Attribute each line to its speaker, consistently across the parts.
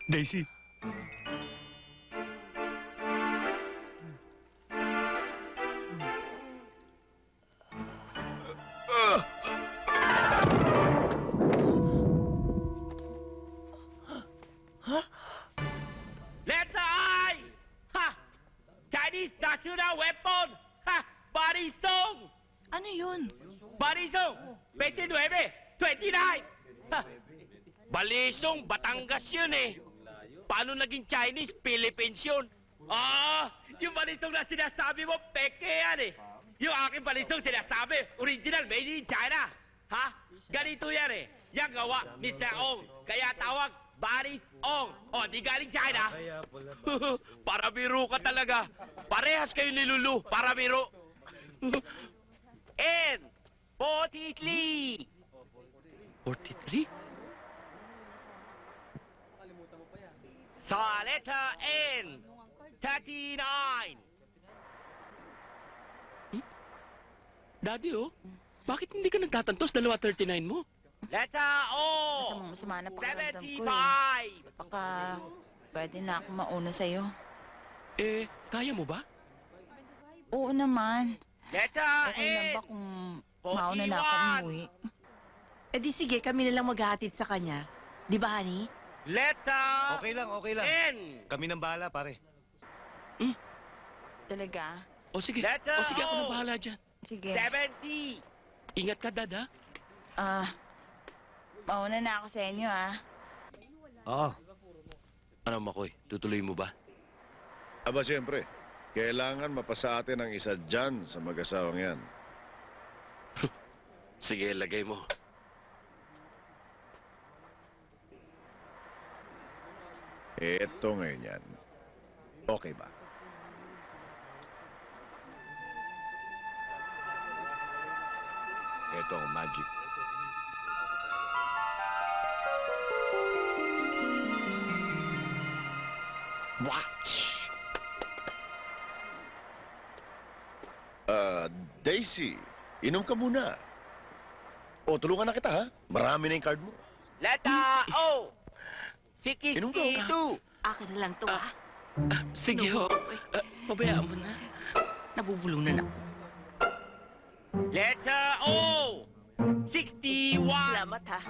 Speaker 1: Daisy.
Speaker 2: Letter I! Ha! Chinese National Weapon! Ha! Barisong!
Speaker 3: Ano yun?
Speaker 2: Barisong! 29! 29! Ha! Balisong, Batangas yun eh. Paano naging Chinese? Philippines yun. Yung balisong na sinasabi mo, peke yan eh. Yung aking balisong sinasabi, original, made in China. Ha? Ganito yan eh. Yang gawa, Mr. Ong. Kaya tawag, Baris Ong. O, di galing China. Para biro ka talaga. Parehas kayo nilulu. Para biro. N. 43.
Speaker 4: 43?
Speaker 2: Sa letter N. 39.
Speaker 4: Daddy, oh. Bakit hindi ka nagtatantos? Dalawa 39 mo.
Speaker 2: Letter O.
Speaker 3: Masama na pakiramdam ko
Speaker 2: 75.
Speaker 3: Baka pwede na ako mauna sa'yo.
Speaker 4: Eh, kaya mo ba?
Speaker 3: Oo naman.
Speaker 2: Letter
Speaker 3: Okay lang
Speaker 2: N.
Speaker 3: ba kung mauna na ako
Speaker 2: 41.
Speaker 3: umuwi?
Speaker 5: Eh di sige, kami na lang maghahatid sa kanya. Di ba, honey?
Speaker 2: Letter
Speaker 6: Okay lang.
Speaker 2: N.
Speaker 6: Kami nang bahala, pare.
Speaker 3: Talaga?
Speaker 4: O sige.
Speaker 2: Letter
Speaker 4: O sige, ako
Speaker 2: O.
Speaker 4: na bahala dyan.
Speaker 3: Sige.
Speaker 2: 70.
Speaker 4: Ingat ka, Dad, ha?
Speaker 3: Mauna na ako sa inyo, ah.
Speaker 6: Oo.
Speaker 4: Ano, Makoy? Tutuloy mo ba?
Speaker 7: Aba, siyempre. Kailangan mapasa atin ang isa dyan sa mag-asawang yan.
Speaker 4: Sige, lagay mo.
Speaker 7: Eto ngayon yan. Okay ba? Eto ang magic. Watch! Daisy, inom ka muna. O, tulungan na kita, ha? Marami na yung card mo.
Speaker 2: Letter O.
Speaker 7: Inom ka,
Speaker 2: 62.
Speaker 5: Akin na lang to, ah.
Speaker 4: Sige, ho. Pabayaan mo na.
Speaker 5: Nabubulong na ako.
Speaker 2: Letter O. 61.
Speaker 5: Salamat, ha.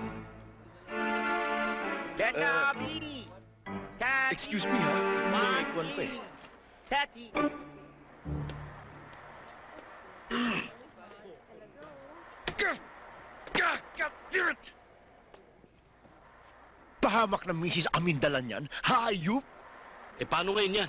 Speaker 2: Letter B. 30.
Speaker 7: Excuse me, ha? May kwan pa eh.
Speaker 2: 30.
Speaker 7: Pahamak ng Mrs. Amindalan yan. Hayop!
Speaker 4: Eh, paano ngayon yan?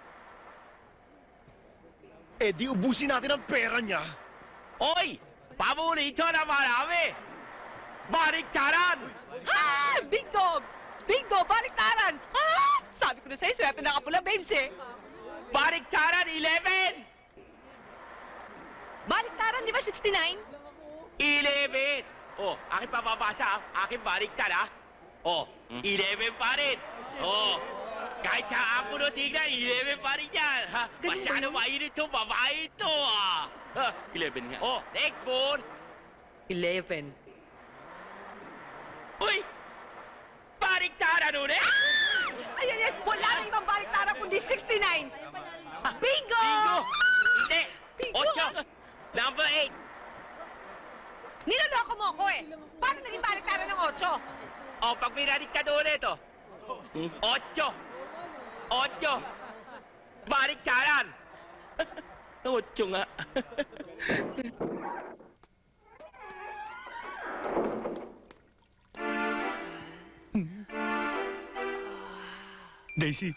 Speaker 7: Eh, di ubusin natin ang pera niya.
Speaker 2: Oy! Paborito na marami! Baliktaran!
Speaker 8: Ha! Bingo! Bingo! Baliktaran! Ha! Sabi ko na sa'yo, swerte na kapula, babes eh.
Speaker 2: Baliktaran 11!
Speaker 8: Baliktaran, di ba 69?
Speaker 2: 11! Oh, aking papabasa, aking baliktad, ha? Oh, 11 pa rin. Oh, kahit sa ako no tignan, 11 pa rin yan. Ha? Masyado mainit to, babae ito, ah. Ha?
Speaker 4: 11 nga.
Speaker 2: Oh, next one.
Speaker 8: 11.
Speaker 2: Uy! Baliktaran ulit!
Speaker 8: Ayan yan, wala na ibang baliktaran kundi 69. Bingo!
Speaker 2: Bingo! Hindi!
Speaker 8: Bingo!
Speaker 2: 8! Number 8!
Speaker 8: Niloloko mo ako eh. Paano naging baliktaran ng 8?
Speaker 2: Oh, pag binaliktad ulit, oh. 8! 8! Baliktaran!
Speaker 4: 8 nga.
Speaker 1: Daisy.